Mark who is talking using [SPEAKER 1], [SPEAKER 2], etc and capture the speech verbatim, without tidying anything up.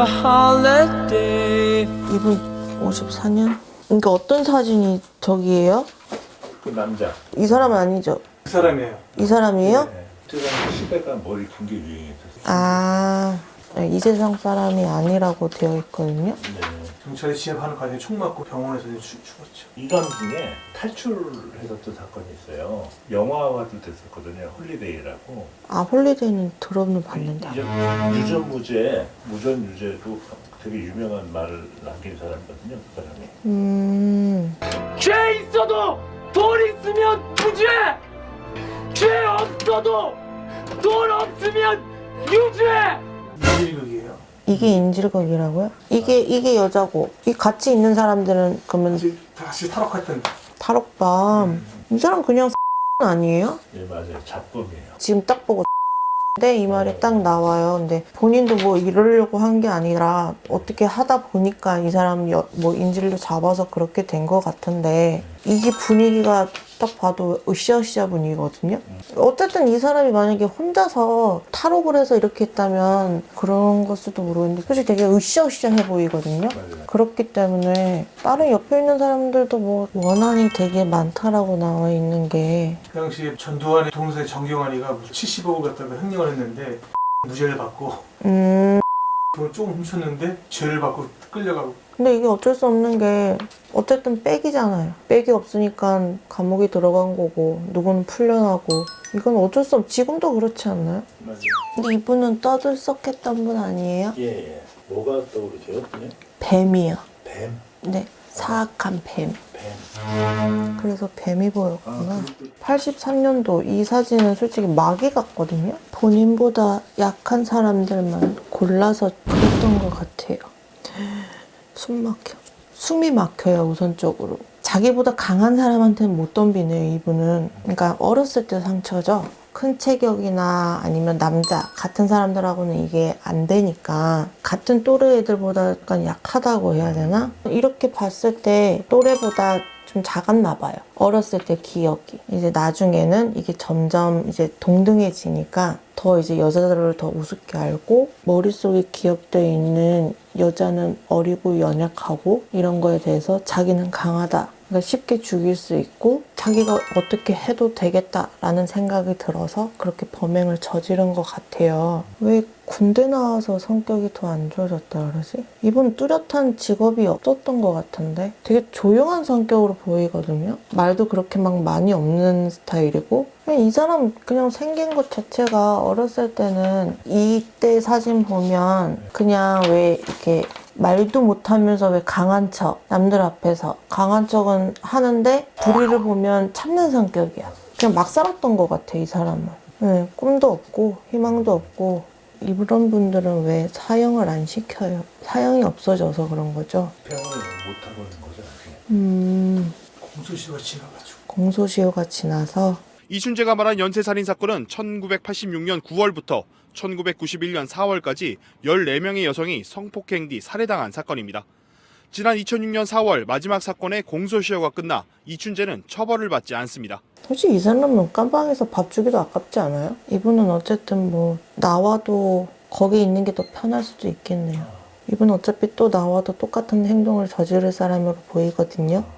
[SPEAKER 1] a holiday.
[SPEAKER 2] 이분 오십사 년? 그러니까 어떤 사진이 저기예요?
[SPEAKER 3] 그 남자.
[SPEAKER 2] 이 사람은 아니죠?
[SPEAKER 4] 그 사람이에요.
[SPEAKER 2] 이 사람이에요?
[SPEAKER 3] 네. 그때 당시 시대가 머리 긴 게 유행했었어요.
[SPEAKER 2] 아, 이 세상 사람이 아니라고 되어 있거든요.
[SPEAKER 3] 네.
[SPEAKER 4] 경찰이 진압하는 과정에 총 맞고 병원에서 이제 죽- 죽었죠.
[SPEAKER 3] 이감 중에 탈출했었던 사건이 있어요. 영화화도 됐었거든요. 홀리데이라고.
[SPEAKER 2] 아, 홀리데이는 들어는 봤는데.
[SPEAKER 3] 유전, 유전무죄, 무전유죄도 되게 유명한 말을 남긴 사람이거든요. 그 사람이.
[SPEAKER 2] 음,
[SPEAKER 1] 죄 있어도 돈 있으면 무죄. 죄 없어도 돈 없으면 유죄.
[SPEAKER 4] 인질극이에요.
[SPEAKER 2] 이게 인질극이라고요? 이게, 이게 여자고, 이 같이 있는 사람들은 그러면
[SPEAKER 4] 이제 다시 탈옥했던
[SPEAKER 2] 탈옥밤. 이 사람 그냥 아니에요?
[SPEAKER 3] 예, 맞아요. 잡범이에요.
[SPEAKER 2] 지금 딱 보고 네, 이 말이 딱 나와요. 근데 본인도 뭐 이러려고 한 게 아니라 어떻게 하다 보니까 이 사람 여, 뭐 인질로 잡아서 그렇게 된 것 같은데 이게 분위기가 딱 봐도 으쌰으쌰 분위기거든요. 어쨌든 이 사람이 만약에 혼자서 탈옥을 해서 이렇게 했다면 그런 걸 수도 모르겠는데 솔직히 되게 으쌰으쌰해 보이거든요.
[SPEAKER 3] 맞아요.
[SPEAKER 2] 그렇기 때문에 다른 옆에 있는 사람들도 뭐 원한이 되게 많다라고 나와 있는 게
[SPEAKER 4] 그 당시에 전두환의 동생 정경환이가 칠십억을 갖다가 횡령을 했는데 무죄를 받고
[SPEAKER 2] 음
[SPEAKER 4] 돈을 조금 훔쳤는데 죄를 받고 끌려가고.
[SPEAKER 2] 근데 이게 어쩔 수 없는 게 어쨌든 백이잖아요. 백이 없으니까 감옥이 들어간 거고 누구는 풀려나고 이건 어쩔 수 없. 지금도 그렇지 않나요?
[SPEAKER 3] 맞아요.
[SPEAKER 2] 근데 이분은 떠들썩했던 분 아니에요?
[SPEAKER 3] 예, 예. 뭐가 떠오르세요? 그냥?
[SPEAKER 2] 뱀이요.
[SPEAKER 3] 뱀.
[SPEAKER 2] 네, 사악한 뱀.
[SPEAKER 3] 뱀.
[SPEAKER 2] 그래서 뱀이 보였구나.
[SPEAKER 3] 아, 그것도-
[SPEAKER 2] 팔십삼 년도 이 사진은 솔직히 마귀 같거든요. 본인보다 약한 사람들만 골라서 그랬던 것 같아요. 숨 막혀. 숨이 막혀요, 우선적으로. 자기보다 강한 사람한테는 못 덤비네요, 이분은. 그러니까 어렸을 때 상처죠. 큰 체격이나 아니면 남자 같은 사람들하고는 이게 안 되니까 같은 또래 애들보다 약간 약하다고 해야 되나? 이렇게 봤을 때 또래보다 좀 작았나 봐요. 어렸을 때 기억이. 이제 나중에는 이게 점점 이제 동등해지니까 더 이제 여자들을 더 우습게 알고 머릿속에 기억되어 있는 여자는 어리고 연약하고 이런 거에 대해서 자기는 강하다. 그러니까 쉽게 죽일 수 있고 자기가 어떻게 해도 되겠다라는 생각이 들어서 그렇게 범행을 저지른 것 같아요. 왜 군대 나와서 성격이 더 안 좋아졌다 그러지? 이분 뚜렷한 직업이 없었던 것 같은데 되게 조용한 성격으로 보이거든요. 말도 그렇게 막 많이 없는 스타일이고 그냥 이 사람 그냥 생긴 것 자체가 어렸을 때는 이때 사진 보면 그냥 왜 이렇게 말도 못하면서 왜 강한 척 남들 앞에서 강한 척은 하는데 불의를 보면 참는 성격이야. 그냥 막 살았던 것 같아 이 사람은. 네, 꿈도 없고 희망도 없고 이런 분들은 왜 사형을 안 시켜요? 사형이 없어져서 그런 거죠.
[SPEAKER 3] 병을 못 하고 있는 거죠. 나중에.
[SPEAKER 2] 음,
[SPEAKER 4] 공소시효가 지나가지고.
[SPEAKER 2] 공소시효가 지나서
[SPEAKER 5] 이춘재가 말한 연쇄살인 사건은 천구백팔십육 년 구월부터 천구백구십일 년 사월까지 열네 명의 여성이 성폭행 뒤 살해당한 사건입니다. 지난 이천육 년 사월 마지막 사건의 공소시효가 끝나 이춘재는 처벌을 받지 않습니다.
[SPEAKER 2] 솔직히 이 사람은 깜방에서 밥 주기도 아깝지 않아요? 이분은 어쨌든 뭐 나와도 거기 있는 게 더 편할 수도 있겠네요. 이분은 어차피 또 나와도 똑같은 행동을 저지를 사람으로 보이거든요.